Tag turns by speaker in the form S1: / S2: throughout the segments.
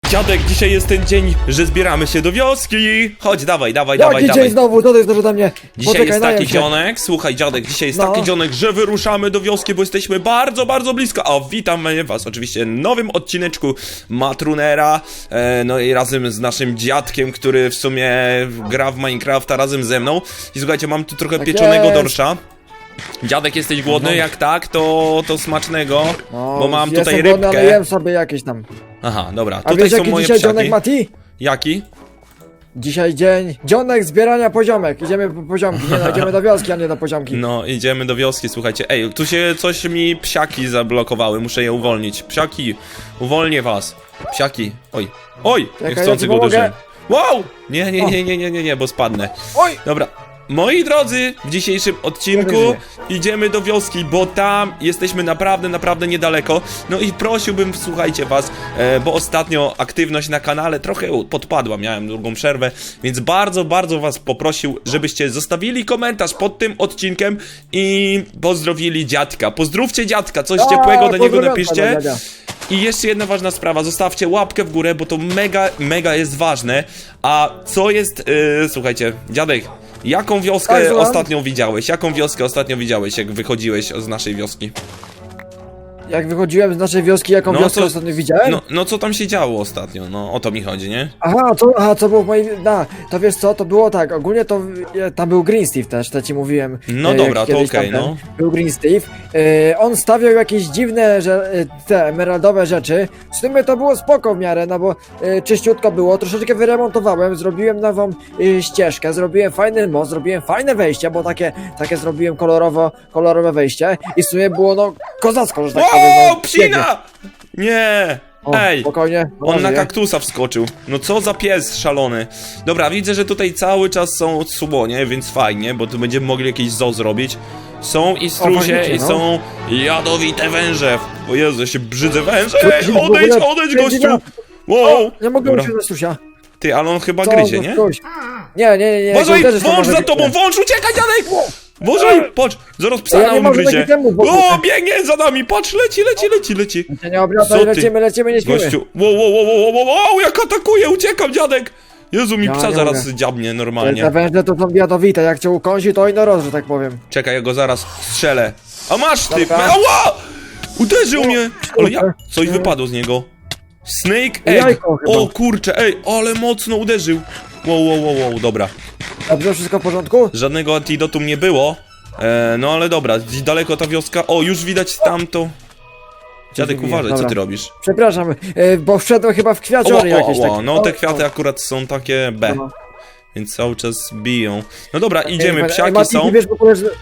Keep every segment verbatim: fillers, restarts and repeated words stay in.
S1: Dziadek, dzisiaj jest ten dzień, że zbieramy się do wioski. Chodź, dawaj, dawaj,
S2: Jaki
S1: dawaj,
S2: dzień
S1: dawaj.
S2: znowu, to jest dużo do mnie.
S1: Dzisiaj
S2: Poczekaj,
S1: jest taki
S2: najem się.
S1: dzionek, słuchaj dziadek, dzisiaj jest
S2: No.
S1: taki dzionek, że wyruszamy do wioski, bo jesteśmy bardzo, bardzo blisko. A witamy was oczywiście w nowym odcineczku Matrunera, e, no i razem z naszym dziadkiem, który w sumie gra w Minecrafta razem ze mną. I słuchajcie, mam tu trochę
S2: Tak
S1: pieczonego
S2: jest.
S1: dorsza. Dziadek, jesteś głodny?
S2: No.
S1: Jak tak, to, to smacznego,
S2: No,
S1: bo mam
S2: jestem
S1: tutaj
S2: głodny, ale
S1: rybkę.
S2: jem sobie jakieś tam.
S1: Aha, dobra,
S2: A
S1: tutaj
S2: wiesz
S1: są
S2: jaki
S1: moje
S2: dzisiaj
S1: psiaki.
S2: dzionek, Mati?
S1: Jaki?
S2: Dzisiaj dzień dzionek zbierania poziomek. Idziemy po poziomki, nie no, idziemy do wioski, a nie do poziomki.
S1: No, idziemy do wioski, słuchajcie. Ej, tu się coś mi psiaki zablokowały, muszę je uwolnić. Psiaki, uwolnię was. Psiaki, oj, oj,
S2: Czekaj,
S1: niechcący
S2: ja ci
S1: go
S2: pomogę.
S1: uderzyłem. Wow! Nie, nie, nie, nie, nie, nie, nie, bo spadnę.
S2: Oj!
S1: Dobra. Moi drodzy, w dzisiejszym odcinku idziemy do wioski, bo tam jesteśmy naprawdę, naprawdę niedaleko. No i prosiłbym, słuchajcie was, e, bo ostatnio aktywność na kanale trochę podpadła, miałem długą przerwę, więc bardzo, bardzo was poprosił, żebyście zostawili komentarz pod tym odcinkiem i pozdrowili dziadka. Pozdrówcie dziadka, coś ciepłego do niego
S2: pozdrowionka
S1: napiszcie.
S2: dla dziadzia.
S1: I jeszcze jedna ważna sprawa, zostawcie łapkę w górę, bo to mega, mega jest ważne. A co jest, yy, słuchajcie, dziadek, jaką wioskę
S2: Tak, słucham?
S1: ostatnio widziałeś? Jaką wioskę ostatnio widziałeś, jak wychodziłeś z naszej wioski?
S2: Jak wychodziłem z naszej wioski, jaką
S1: No,
S2: wioskę
S1: co-
S2: ostatnio widziałem?
S1: No, no co tam się działo ostatnio? No o to mi chodzi, nie?
S2: Aha, to, aha, co było w moim... Da, to wiesz co, to było tak, ogólnie to... e, Tam był Green Steve też, to ci mówiłem.
S1: No
S2: e, jak
S1: dobra, to
S2: kiedyś
S1: okej,
S2: tamten
S1: no.
S2: Był Green Steve. E, on stawiał jakieś dziwne, że e, te emeraldowe rzeczy. W sumie to było spoko w miarę, no bo e, czyściutko było. Troszeczkę wyremontowałem, zrobiłem nową e, ścieżkę, zrobiłem fajny most, zrobiłem fajne wejście, bo takie, takie zrobiłem kolorowo, kolorowe wejście. I w sumie było no kozacko, że tak powiem.
S1: O,
S2: no,
S1: psina! Nie!
S2: O,
S1: Ej!
S2: spokojnie.
S1: On na
S2: żyje.
S1: kaktusa wskoczył. No co za pies szalony. Dobra, widzę, że tutaj cały czas są słonie, więc fajnie, bo tu będziemy mogli jakieś zoo zrobić. Są i strusie,
S2: faktycznie,
S1: i
S2: no.
S1: są jadowite węże. O Jezu, ja się brzydzę węże.
S2: To
S1: Ej,
S2: jest w
S1: odejdź,
S2: ogóle
S1: odejdź,
S2: będzie
S1: gościu.
S2: na-
S1: Wow.
S2: Nie mogę
S1: Dobra.
S2: usiąść na Stusia.
S1: Ty, ale on chyba
S2: Co
S1: gryzie,
S2: za
S1: nie?
S2: ktoś? Nie, nie, nie, nie.
S1: Uważaj,
S2: to uderzysz, to
S1: wąż
S2: może
S1: za
S2: być
S1: tobą,
S2: ten.
S1: wąż, uciekaj, dziadek! Uważaj, patrz, zaraz psa
S2: Ja
S1: na
S2: nie mogę
S1: ugryzie.
S2: taki temu w ogóle.
S1: O, biegnie za nami, patrz, leci, leci, leci, leci.
S2: Się nie obracaj,
S1: Co ty?
S2: lecimy, lecimy, nie śpimy.
S1: Gościu, wow, wow, wow, wow, wow, wow, jak atakuje, uciekam, dziadek! Jezu, mi
S2: Ja
S1: psa
S2: nie
S1: zaraz
S2: mogę.
S1: dziabnie
S2: Te
S1: normalnie.
S2: węże to są jadowite, jak cię ukąsi, to i no roz, że tak powiem.
S1: Czekaj, ja go zaraz strzelę. A masz ty!
S2: Dobra.
S1: Ała! Uderzył mnie! Ale ja...
S2: kurczę.
S1: Coś wypadło z niego. Snake egg!
S2: Jajko chyba.
S1: O kurczę, ej, ale mocno uderzył. Wow, wow, wow, wow, dobra.
S2: Dobrze, wszystko w porządku?
S1: Żadnego antidotum nie było. E, no ale dobra, gdzieś daleko ta wioska. O, już widać tamto. Dziadek,
S2: Dziękuję,
S1: uważaj, co
S2: dobra.
S1: ty robisz?
S2: Przepraszam, e, bo wszedłem chyba w
S1: O,
S2: kwiaciory
S1: o,
S2: jakieś
S1: o,
S2: takie.
S1: o, no te kwiaty akurat są takie B,
S2: No.
S1: więc cały czas biją. No dobra, idziemy,
S2: Ej,
S1: psiaki
S2: Mati,
S1: są.
S2: ty wiesz w ogóle, że...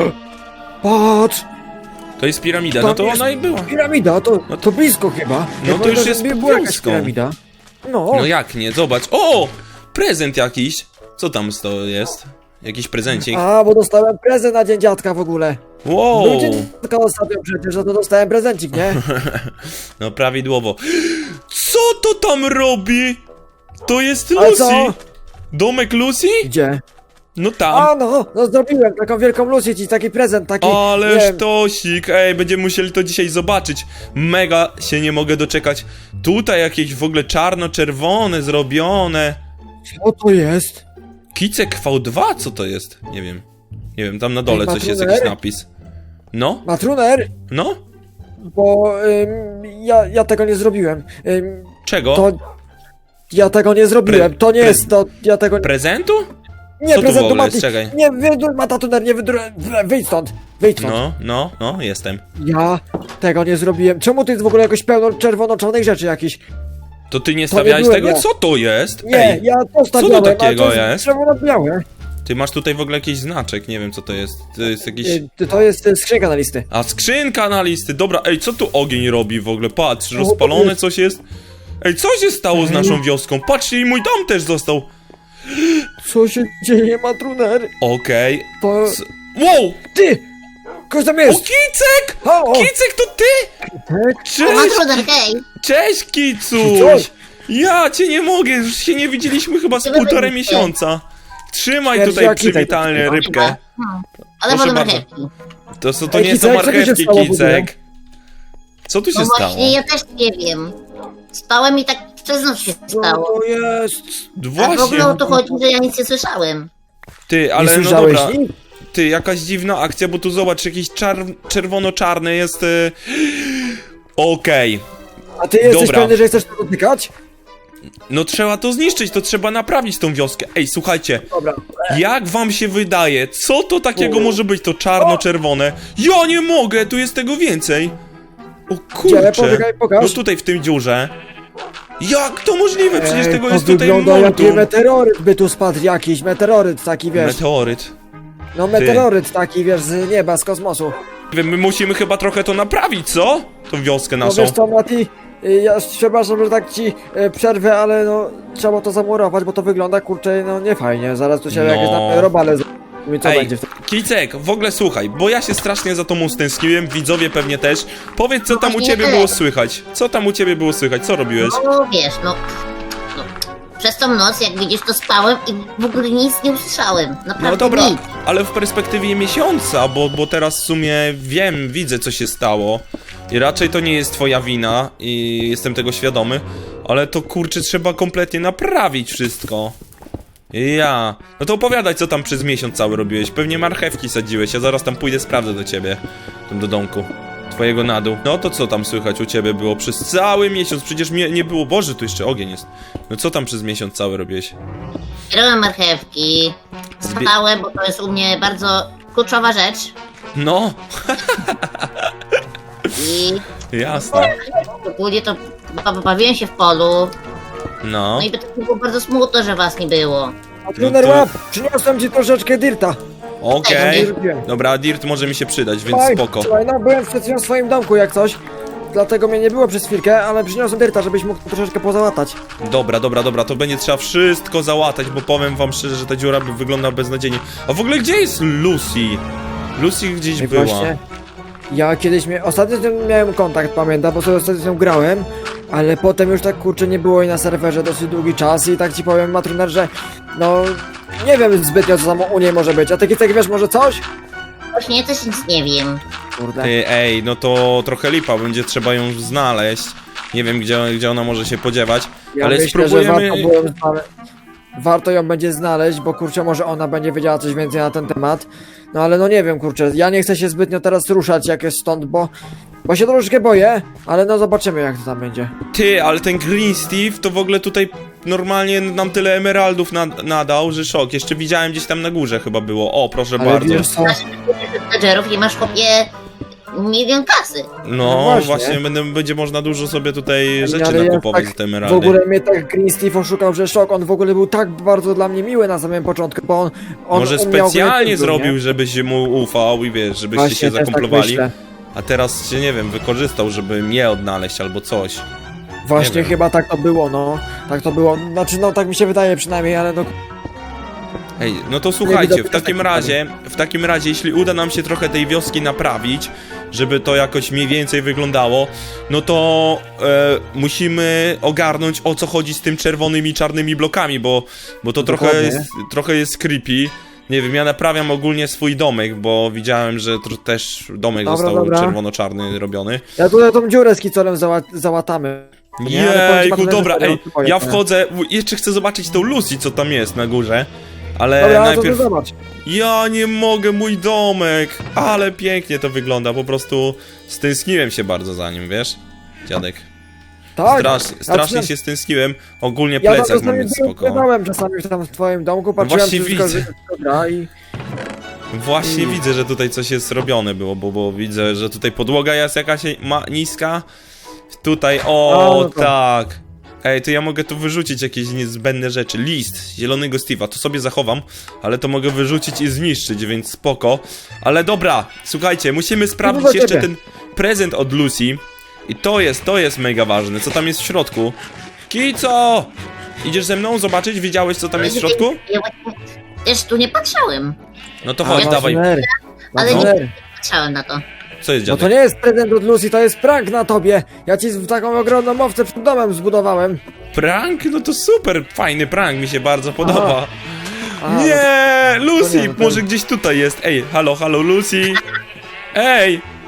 S2: Patrz!
S1: To jest piramida, no to
S2: jest
S1: ona i była.
S2: Piramida, to,
S1: No
S2: to blisko chyba.
S1: no
S2: Ja
S1: to
S2: pamiętam,
S1: już
S2: że
S1: jest
S2: była jakaś
S1: wioską.
S2: piramida. No,
S1: No jak nie, zobacz. O! Prezent jakiś. Co tam to jest? Jakiś prezencik.
S2: a, bo dostałem prezent na dzień dziadka w ogóle.
S1: Wow!
S2: Był dzień dziadka ostatnio przecież, że to dostałem prezencik, nie?
S1: No prawidłowo. Co to tam robi? To jest
S2: Ale
S1: Lucy!
S2: co?
S1: Domek Lucy?
S2: Gdzie?
S1: No tam.
S2: A no, no zrobiłem taką wielką Lucy ci, taki prezent, taki... nie
S1: Ale
S2: wiem,
S1: sztosik, ej, będziemy musieli to dzisiaj zobaczyć. Mega się nie mogę doczekać. Tutaj jakieś w ogóle czarno-czerwone zrobione.
S2: Co to jest?
S1: Kicek V dwa? Co to jest? Nie wiem. Nie wiem, tam na dole
S2: Ej,
S1: coś jest,
S2: Matruner?
S1: jakiś napis. No?
S2: Matruner?
S1: No?
S2: Bo ym, ja, ja tego nie zrobiłem. Ym,
S1: Czego?
S2: to... Ja tego nie zrobiłem,
S1: Pre-
S2: to nie
S1: pre-
S2: jest to... Ja tego...
S1: Prezentu?
S2: Nie,
S1: co tu w
S2: prezentu
S1: ogóle
S2: Mati!
S1: jest? Czekaj.
S2: Nie, wydur... Matatuner, nie wydur... Wyjdź stąd! Wyjdź stąd!
S1: No, no, no, jestem.
S2: Ja tego nie zrobiłem. Czemu tu jest w ogóle jakoś pełno czerwono-czarnych rzeczy jakichś?
S1: To ty nie
S2: To nie
S1: stawiałeś
S2: byłem
S1: tego?
S2: ja.
S1: Co to jest?
S2: Nie,
S1: Ej,
S2: ja to stawiałem, ale
S1: takiego
S2: to
S1: jest?
S2: jest czerwono-białe.
S1: ty masz tutaj w ogóle jakiś znaczek, nie wiem co to jest. To jest jakiś...
S2: Y, To jest y, skrzynka na listy.
S1: A, skrzynka na listy, dobra, ej, co tu ogień robi w ogóle? Patrz,
S2: to
S1: rozpalone
S2: jest?
S1: coś jest. Ej, co się stało z
S2: Ej.
S1: naszą wioską? Patrzcie, i mój dom też został.
S2: Co się dzieje, Matruner?
S1: Okej.
S2: To...
S1: C- Wow!
S2: Ty! Ktoś tam
S1: O,
S2: jest!
S1: Kicek!
S2: O, o!
S1: Kicek, to ty!
S2: Tak?
S1: Cześć!
S3: Matruner, hej!
S1: Cześć, Kicuś!
S2: Kicuś!
S1: Ja cię nie mogę, już się nie widzieliśmy chyba z
S3: Ty
S1: półtorej
S3: wyjdzie.
S1: miesiąca. Trzymaj
S2: Śmierdzi
S1: tutaj
S2: jak Kicek.
S1: przywitalnie rybkę.
S3: Hmm. Ale
S1: Proszę
S3: wolę
S1: bardzo.
S3: marchewki.
S1: To, są- to
S2: Ej,
S1: nie są
S2: Kicek, co tu się
S1: marchewki,
S2: stało w ogóle?
S1: Kicek. Co tu się
S3: No
S1: stało?
S3: właśnie, ja też nie wiem. Spałem i tak Co znów się
S2: Co
S3: stało?
S2: to jest?
S3: A w
S1: Właśnie,
S3: ogóle o to chodzi, że ja nic nie słyszałem.
S1: ty,
S2: Nie
S1: ale no
S2: słyszałeś
S1: dobra.
S2: nic?
S1: Ty, jakaś dziwna akcja, bo tu zobacz, jakiś czar czerwono-czarny jest... Y... Okej.
S2: A ty jesteś
S1: Dobra.
S2: pewny, że chcesz to dotykać?
S1: No trzeba to zniszczyć, to trzeba naprawić tą wioskę. Ej, słuchajcie,
S2: Dobra.
S1: jak wam się wydaje, co to takiego
S2: U.
S1: może być, to czarno-czerwone? Ja nie mogę, tu jest tego więcej. O
S2: Gdzie?
S1: kurczę.
S2: Poczekaj, pokaż.
S1: No tutaj w tym dziurze. Jak to możliwe? Przecież
S2: Ej,
S1: tego
S2: to
S1: jest tutaj
S2: wygląda jaki
S1: multum.
S2: meteoryt by tu spadł jakiś, meteoryt taki, wiesz.
S1: Meteoryt.
S2: No meteoryt taki, wiesz, z nieba, z kosmosu.
S1: Wy- My musimy chyba trochę to naprawić, co? Tą wioskę
S2: No
S1: naszą.
S2: wiesz co, Mati, y, ja przepraszam, że tak ci y, przerwę, ale no trzeba to zamurować, bo to wygląda, kurczę, no nie fajnie. Zaraz tu się
S1: No.
S2: jakieś tam robale z... I co
S1: Ej,
S2: będzie wtedy?
S1: Kicek, w ogóle słuchaj, bo ja się strasznie za tobą stęskniłem, widzowie pewnie też. Powiedz, co
S3: No
S1: tam u
S3: właśnie
S1: ciebie
S3: tyle.
S1: było słychać? Co tam u ciebie było słychać? Co robiłeś?
S3: No wiesz, no, no. Przez tą noc, jak widzisz, to spałem i w ogóle nic nie usłyszałem. Naprawdę
S1: No dobra,
S3: nic.
S1: ale w perspektywie miesiąca, bo, bo teraz w sumie wiem, widzę co się stało. I raczej to nie jest twoja wina i jestem tego świadomy, ale to kurczę trzeba kompletnie naprawić wszystko. Ja. No to opowiadaj, co tam przez miesiąc cały robiłeś. Pewnie marchewki sadziłeś, ja zaraz tam pójdę, sprawdzę do ciebie. Tam do domku. Twojego na dół. No to co tam słychać u ciebie było przez cały miesiąc? Przecież mnie nie było. Boże, tu jeszcze ogień jest. No co tam przez miesiąc cały robiłeś?
S3: Robiłem marchewki,
S1: Zbie-
S3: spałem, bo to jest u mnie bardzo kluczowa rzecz.
S1: No,
S3: I
S1: jasne.
S3: ogólnie to ba- bawiłem się w polu.
S1: No.
S3: No i by to było bardzo smutno, że was nie było.
S2: A trener
S1: to-
S2: łap, przyniosłem ci troszeczkę dirta.
S1: Okej.
S2: Zrobiłem.
S1: Dobra, dirt może mi się przydać, więc
S2: Słuchaj,
S1: spoko.
S2: Słuchaj, no byłem przed chwilą w swoim domku jak coś. Dlatego mnie nie było przez chwilkę, ale przyniosłem dirta, żebyś mógł troszeczkę pozałatać.
S1: Dobra, dobra, dobra, to będzie trzeba wszystko załatać, bo powiem wam szczerze, że ta dziura by wygląda beznadziejnie. A w ogóle gdzie jest Lucy? Lucy gdzieś
S2: I
S1: była.
S2: właśnie, ja kiedyś mia... ostatnio z nią miałem kontakt, pamiętam, bo sobie ostatnio z nią grałem, ale potem już tak kurczę nie było jej na serwerze dosyć długi czas i tak ci powiem, Matruner, że no nie wiem zbytnio co tam u niej może być, a ty tak wiesz może coś?
S3: Właśnie ja też nic nie wiem.
S2: Kurde.
S1: Ty, ej, no to trochę lipa, będzie trzeba ją znaleźć. Nie wiem, gdzie, gdzie ona może się podziewać,
S2: Ja
S1: ale
S2: myślę,
S1: spróbujemy...
S2: że warto, było ją znale... warto ją będzie znaleźć, bo kurczę może ona będzie wiedziała coś więcej na ten temat. No ale no nie wiem kurczę, ja nie chcę się zbytnio teraz ruszać jak jest stąd, bo... Bo się troszeczkę boję, ale no zobaczymy jak to tam będzie.
S1: Ty, ale ten Green Steve to w ogóle tutaj normalnie nam tyle emeraldów nad, nadał, że szok. Jeszcze widziałem gdzieś tam na górze chyba było. O, proszę
S2: Ale
S1: bardzo.
S2: wiesz co?
S3: Menedżerów i masz chłopie milion kasy.
S2: No
S1: No,
S2: właśnie.
S1: właśnie, będę, będzie można dużo sobie tutaj rzeczy
S2: Ale ja
S1: nakupować
S2: tak
S1: za te
S2: W
S1: emeraldy.
S2: ogóle mnie tak Green Steve oszukał, że szok, on w ogóle był tak bardzo dla mnie miły na samym początku, bo on... on
S1: Może
S2: umiał
S1: specjalnie
S2: grać w
S1: zrobił,
S2: nie?
S1: żebyś mu ufał i wiesz, żebyście
S2: Właśnie,
S1: się
S2: też tak
S1: zakumplowali.
S2: myślę.
S1: A teraz się, nie wiem, wykorzystał, żeby mnie odnaleźć albo coś.
S2: Właśnie
S1: wiem.
S2: chyba tak to było, no. Tak to było. Znaczy, no tak mi się wydaje przynajmniej, ale no.
S1: Ej, no to słuchajcie,
S2: widać
S1: w takim
S2: tak
S1: razie, w takim razie, jeśli uda nam się trochę tej wioski naprawić, żeby to jakoś mniej więcej wyglądało, no to e, musimy ogarnąć, o co chodzi z tym czerwonymi, czarnymi blokami, bo, bo to trochę
S2: Dokładnie.
S1: jest, trochę jest creepy. Nie wiem, ja naprawiam ogólnie swój domek, bo widziałem, że tr- też domek
S2: Dobra,
S1: został
S2: dobra.
S1: czerwono-czarny robiony.
S2: Ja tutaj tą dziurę z kicolem zała załatamy. Nie, ale powiem ci,
S1: Jejku,
S2: Mateusz,
S1: dobra,
S2: że
S1: ej,
S2: to powiem,
S1: ja
S2: nie?
S1: wchodzę, w- jeszcze chcę zobaczyć tą Lucy, co tam jest na górze, ale
S2: Dobra,
S1: najpierw...
S2: to ty zobacz.
S1: Ja nie mogę, mój domek! Ale pięknie to wygląda, po prostu stęskniłem się bardzo za nim, wiesz? Dziadek.
S2: Tak.
S1: Strasz,
S2: ja
S1: strasznie
S2: przynajmniej-
S1: się stęskniłem, ogólnie
S2: Ja tam
S1: plecak mam
S2: czasami
S1: więc spoko.
S2: bywałem czasami tam w twoim domku, patrzyłem
S1: właśnie
S2: czy wszystko,
S1: widzę.
S2: że wszystko gra i...
S1: Właśnie
S2: Mm.
S1: widzę, że tutaj coś jest robione było, bo, bo widzę, że tutaj podłoga jest jakaś ma, niska. Tutaj, o
S2: A, no to-
S1: tak. Ej, to ja mogę tu wyrzucić jakieś niezbędne rzeczy. List zielonego Steve'a, to sobie zachowam, ale to mogę wyrzucić i zniszczyć, więc spoko. Ale dobra, słuchajcie, musimy sprawdzić
S2: do
S1: jeszcze
S2: ciebie.
S1: ten prezent od Lucy. I to jest, to jest mega ważne, co tam jest w środku. Kico! Idziesz ze mną zobaczyć? Widziałeś, co tam jest w środku?
S3: Ja właśnie też tu nie patrzyłem.
S1: No to chodź,
S2: A,
S1: dawaj.
S2: Matruner,
S3: Ale
S2: Matruner.
S3: Patrzyłem na to.
S1: Co jest,
S2: No
S1: dziadek?
S2: to nie jest prezent od Lucy, to jest prank na tobie. Ja ci z- taką ogromną owcę przed domem zbudowałem.
S1: Prank? No to super, fajny prank, mi się bardzo podoba.
S2: A,
S1: Nie,
S2: to
S1: Lucy,
S2: nie, no to-
S1: może gdzieś tutaj jest. Ej, halo, halo, Lucy. Ej,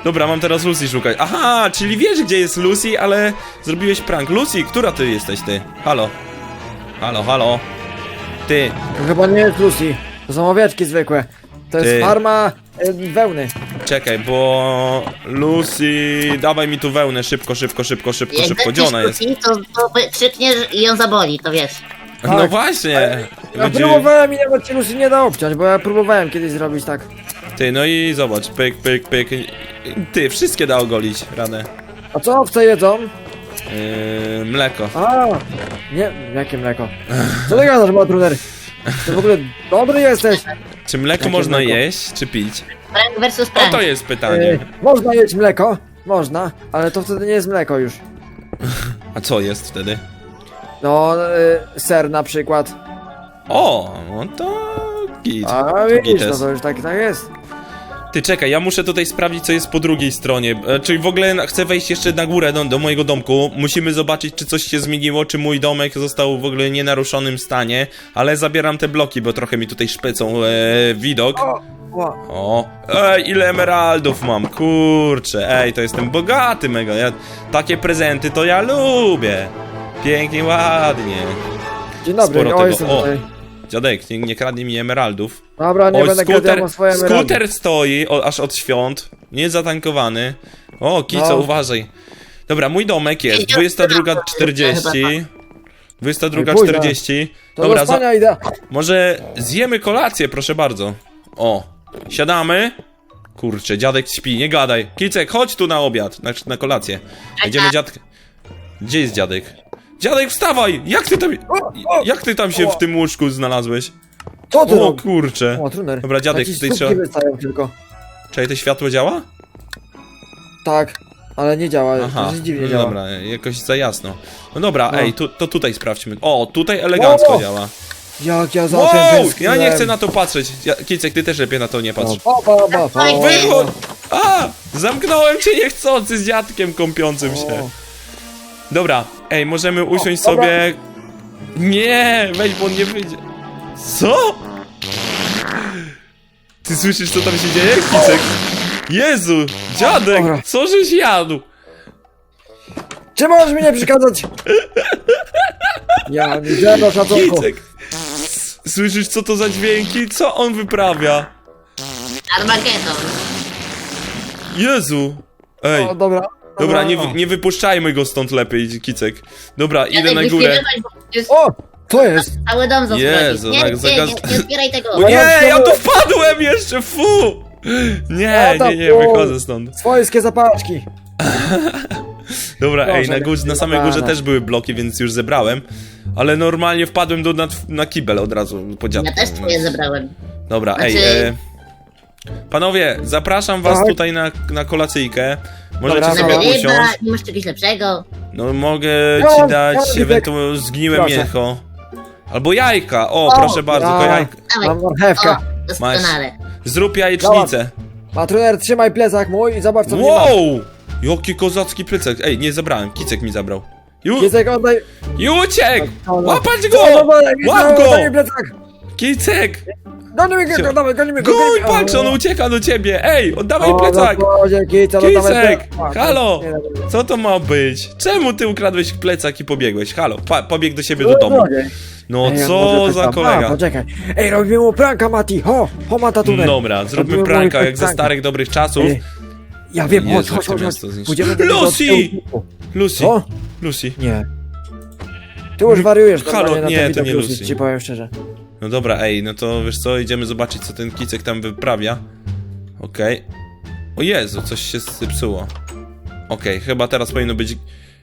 S1: Dobra, mam teraz Lucy szukać. Aha, czyli wiesz, gdzie jest Lucy, ale zrobiłeś prank. Lucy, która ty jesteś, ty? Halo? Halo, halo? Ty,
S2: To chyba nie jest Lucy. To są owieczki zwykłe. To jest
S1: Ty.
S2: farma y, wełny.
S1: czekaj, bo... Lucy, dawaj mi tu wełnę, szybko, szybko, szybko, szybko,
S3: Jak
S1: szybko. Gdzie ona
S3: będziesz
S1: jest?
S3: kłóci, to, to krzykniesz i ją zaboli, to wiesz.
S1: No
S2: Tak.
S1: właśnie.
S2: Ja
S1: Będzie...
S2: próbowałem i nawet się Lucy nie da obciąć, bo ja próbowałem kiedyś zrobić tak.
S1: Ty, no i zobacz, pyk, pyk, pyk. Ty, wszystkie da ogolić, radę.
S2: A co owce jedzą?
S1: Yy, mleko.
S2: A, nie, jakie mleko? Co ty gadasz, Matruner? Ty w ogóle dobry jesteś.
S1: Czy mleko
S2: Jakie
S1: można
S2: mleko?
S1: jeść, czy pić?
S3: Prank versus
S1: O,
S3: prank.
S1: to jest
S2: E,
S1: pytanie.
S2: można jeść mleko, można, ale to wtedy nie jest mleko już.
S1: A co jest wtedy?
S2: No, y, ser na przykład.
S1: O, no to git.
S2: A widzisz, no
S1: Gites.
S2: to już tak, tak jest.
S1: Ty czekaj, ja muszę tutaj sprawdzić, co jest po drugiej stronie. E, czyli w ogóle na- chcę wejść jeszcze na górę do, do mojego domku. Musimy zobaczyć, czy coś się zmieniło, czy mój domek został w ogóle w nienaruszonym stanie. Ale zabieram te bloki, bo trochę mi tutaj szpecą e, widok.
S2: O, o.
S1: O, ej, ile emeraldów mam, kurczę, ej, to jestem bogaty mega, ja, takie prezenty to ja lubię. Pięknie, ładnie.
S2: Dzień dobry,
S1: Sporo
S2: o,
S1: tego,
S2: jestem
S1: o.
S2: tutaj.
S1: Dziadek, nie, nie kradnij mi emeraldów.
S2: Dobra, nie
S1: Oj,
S2: będę
S1: skuter,
S2: gadał o swoje emeraldy.
S1: skuter stoi o, aż od świąt, nie zatankowany. O, Kico,
S2: No.
S1: uważaj. Dobra, mój domek jest, dwudziesta druga czterdzieści. dwudziesta druga
S2: Oj, późno.
S1: czterdzieści.
S2: To
S1: Dobra,
S2: do
S1: za,
S2: spania idę.
S1: może zjemy kolację, proszę bardzo. O, siadamy. Kurczę, dziadek śpi, nie gadaj. Kicek, chodź tu na obiad, na, na kolację. Będziemy dziadek... Gdzie jest dziadek? Dziadek, wstawaj! Jak ty tam... Jak ty tam się w tym łóżku znalazłeś?
S2: Co ty
S1: O
S2: robisz?
S1: kurczę.
S2: O, Truner.
S1: Dobra, dziadek,
S2: Jakieś
S1: tutaj
S2: stópki
S1: trzeba...
S2: wystają tylko.
S1: Czekaj, to światło działa?
S2: Tak, ale nie działa,
S1: Aha,
S2: to dziwnie
S1: no
S2: działa.
S1: dobra, jakoś za jasno. No dobra,
S2: No.
S1: ej, tu, to tutaj sprawdźmy. O, tutaj elegancko
S2: O!
S1: działa.
S2: Jak ja za
S1: Wow,
S2: tym
S1: ja
S2: tęskniłem.
S1: nie chcę na to patrzeć. Ja, Kicek, ty też lepiej na to nie patrz.
S2: O, pa, pa, pa, pa.
S3: Oj,
S1: Wychodź! A! Zamknąłem cię niechcący z dziadkiem kąpiącym się.
S2: O.
S1: Dobra, ej, możemy usiąść
S2: dobra.
S1: sobie... Nie, weź, bo on nie wyjdzie. Co? Ty słyszysz, co tam się dzieje, Kicek? Jezu, dziadek,
S2: Dobra.
S1: co żeś jadł?
S2: Czy możesz mi nie przeszkadzać? Ja nie zero szacunku.
S1: Kicek, słyszysz, co to za dźwięki? Co on wyprawia?
S3: Armageddon.
S1: Jezu. Ej,
S2: O, dobra.
S1: dobra, nie,
S2: o.
S1: wy- nie wypuszczajmy go stąd lepiej, Kicek. Dobra, idę
S3: Dziadek,
S1: na górę.
S3: wyśpiewywać, bo jest
S2: O, to jest.
S3: cały dom zasłonić.
S1: Jezu,
S3: Nie,
S1: tak
S3: nie,
S1: zagaz-
S3: nie, nie zbieraj tego.
S1: O nie, ja tu wpadłem jeszcze, fu! Nie, nie, nie, wychodzę stąd.
S2: Swojskie zapaczki.
S1: Dobra, ej,
S2: Proszę,
S1: na, górze, na samej górze
S2: pana.
S1: też były bloki, więc już zebrałem. Ale normalnie wpadłem do, na, na kibel od razu po dziadku.
S3: Ja też twoje zebrałem.
S1: Dobra, ej,
S3: Znaczy-
S1: e, panowie, zapraszam was
S2: Tak.
S1: tutaj na, na kolacyjkę. Możecie
S2: Dobra,
S1: sobie
S2: dobra.
S1: usiąść.
S3: Ryba, nie masz czegoś lepszego.
S1: No mogę
S2: Ja
S1: ci
S2: mam-
S1: dać
S2: ja mam
S1: ewentualnie zgniłe
S2: Proszę.
S1: mięcho. Albo jajka, o,
S2: O,
S1: proszę bardzo, to
S2: ja-
S1: jajka.
S3: Dawaj.
S2: Mam marchewkę.
S3: O, doskonale.
S1: Zrób jajecznicę.
S2: Matruner, trzymaj plecak mój i zobacz co w nim masz.
S1: Wow! Jaki kozacki plecak. Ej, nie zabrałem, Kicek mi zabrał. Ju,
S2: Kicek, oddaj.
S1: i uciekł!
S2: No, no.
S1: Łapać
S2: No,
S1: go!
S2: no, no,
S1: Łap go!
S2: Oddaj mi plecak.
S1: Kicek!
S2: Gonimy go,
S1: Cio-
S2: dawaj, gonimy go.
S1: Gój,
S2: gonimy-
S1: patrz, on
S2: O,
S1: ucieka do ciebie! Ej, oddawaj
S2: o,
S1: plecak!
S2: no, Boże, Kico, no, dawaj
S1: Kicek!
S2: plecak.
S1: Halo!
S2: Nie, nie, nie.
S1: Co to ma być? Czemu ty ukradłeś plecak i pobiegłeś? Halo, pa, pobiegł do siebie do
S2: O,
S1: domu.
S2: Boże.
S1: No
S2: Ej,
S1: co
S2: może
S1: za
S2: tak tam-
S1: kolega?
S2: A, poczekaj. Ej, robimy mu pranka, Mati. Ho, ho, Matatuner.
S1: Dobra, zróbmy
S2: Robimy
S1: pranka
S2: mu
S1: jak ze
S2: pranka.
S1: starych dobrych czasów.
S2: Ej, Ja wiem, chodź,
S1: Jezu,
S2: chodź,
S1: jak to
S2: chodź,
S1: miasto
S2: chodź.
S1: zniszczy-
S2: Pójdziemy do niego od
S1: Lucy!
S2: tyłu.
S1: Lucy,
S2: Co?
S1: Lucy.
S2: Nie. Ty już wariujesz
S1: Halo,
S2: normalnie na
S1: nie,
S2: ten
S1: to
S2: widok,
S1: nie
S2: Lucy,
S1: Lucy.
S2: ci powiem szczerze.
S1: No dobra, ej, no to wiesz co, idziemy zobaczyć co ten Kicek tam wyprawia. Okej. O Jezu, coś się zepsuło. Okej, chyba teraz powinno być...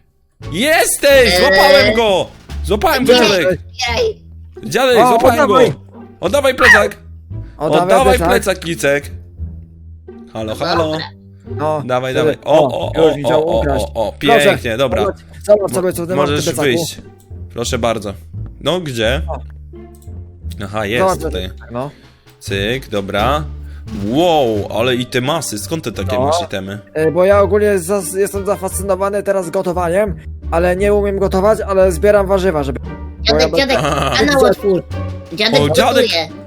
S1: Jesteś!
S3: Eee.
S1: Złapałem go! Złapałem go,
S3: Ej,
S1: dziadek!
S3: Ej,
S1: Dziadek,
S2: O,
S1: złapałem
S2: oddawaj.
S1: go! Oddawaj plecak!
S2: Oddawaj
S1: Oddawaj
S2: plecak.
S1: plecak, Kicek! Halo, halo!
S3: dobra.
S2: No,
S1: Dawaj,
S2: wtedy-
S1: dawaj. O, o, o,
S2: już mi chciał
S1: o, o,
S2: ukraść.
S1: o, o,
S2: Proszę,
S1: pięknie, dobra.
S2: Zobacz, zobacz sobie, co ty masz w
S1: Możesz
S2: tym plecaku.
S1: wyjść. Proszę bardzo. No, gdzie?
S2: O.
S1: Aha, jest
S2: Zobacz, co
S1: tutaj.
S2: ty- No.
S1: Cyk, dobra. Wow, ale i te masy, skąd ty takie
S2: No.
S1: masz itemy?
S2: E, Bo ja ogólnie zas- jestem zafascynowany teraz gotowaniem, ale nie umiem gotować, ale zbieram warzywa, żeby...
S3: Dziadek,
S2: Bo ja-
S3: dziadek,
S1: A.
S3: kanał otwórz. Dziadek
S1: O, dziadek.
S3: gotuje.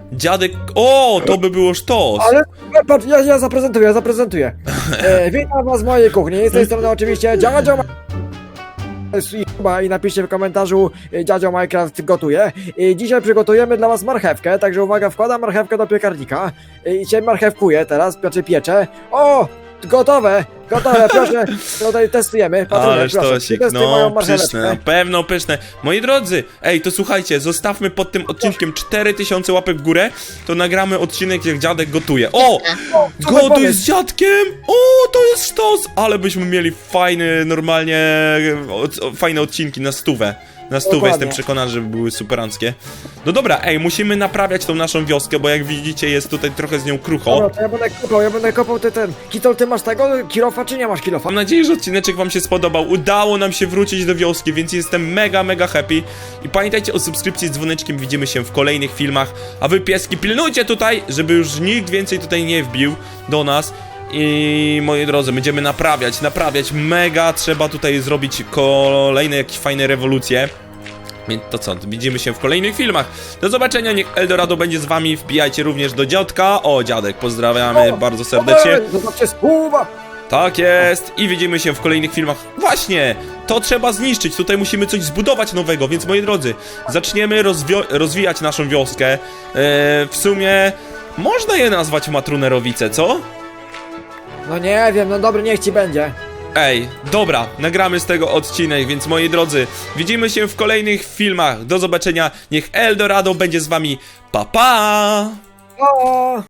S1: Dziadek... O, to by było sztos.
S2: Ale patrz, ja, ja zaprezentuję, ja zaprezentuję. E, witam was w mojej kuchni. Z tej strony oczywiście Dziadzio Ma- i napiszcie w komentarzu e, Dziadzio Minecraft gotuje. I dzisiaj przygotujemy dla was marchewkę, także uwaga, wkładam marchewkę do piekarnika e, i się marchewkuję teraz, znaczy pieczę. O! Gotowe! Gotowe, proszę, tutaj testujemy. Patrunek,
S1: Ależ
S2: proszę,
S1: to się,
S2: przetestuj moją
S1: no
S2: marcheweczkę.
S1: pyszne, na pewno pyszne. Moi drodzy, ej, to słuchajcie, zostawmy pod tym odcinkiem cztery tysiące łapek w górę, to nagramy odcinek, jak dziadek gotuje. O!
S2: Super
S1: Gotuj
S2: pomysł.
S1: z dziadkiem! O, to jest sztos! Ale byśmy mieli fajny, normalnie, o, fajne odcinki na stówę. Na stówę,
S2: Dokładnie.
S1: jestem przekonany, że były superanckie. No dobra, ej, musimy naprawiać tą naszą wioskę, bo jak widzicie, jest tutaj trochę z nią krucho.
S2: Dobra, to ja będę kopał, ja będę kopał ty ten. Kitol, ty masz tego kilofa, czy nie masz kilofa?
S1: Mam nadzieję, że odcineczek wam się spodobał. Udało nam się wrócić do wioski, więc jestem mega, mega happy. I pamiętajcie o subskrypcji z dzwoneczkiem, widzimy się w kolejnych filmach. A wy, pieski, pilnujcie tutaj, żeby już nikt więcej tutaj nie wbił do nas. I moi drodzy, będziemy naprawiać, naprawiać. Mega trzeba tutaj zrobić kolejne jakieś fajne rewolucje. Więc to co, widzimy się w kolejnych filmach. Do zobaczenia, niech Eldorado będzie z wami. Wbijajcie również do dziadka. O, dziadek, pozdrawiamy
S2: O,
S1: bardzo serdecznie.
S2: Ej, Zobaczcie, spłuwa!
S1: Tak jest i widzimy się w kolejnych filmach. Właśnie, to trzeba zniszczyć, tutaj musimy coś zbudować nowego, więc moi drodzy, zaczniemy rozwio- rozwijać naszą wioskę. Eee, w sumie można je nazwać Matrunerowice, co?
S2: No nie wiem, no dobry, niech ci będzie.
S1: Ej, dobra, nagramy z tego odcinek, więc moi drodzy, widzimy się w kolejnych filmach. Do zobaczenia, niech Eldorado będzie z wami. Pa, pa!
S2: O!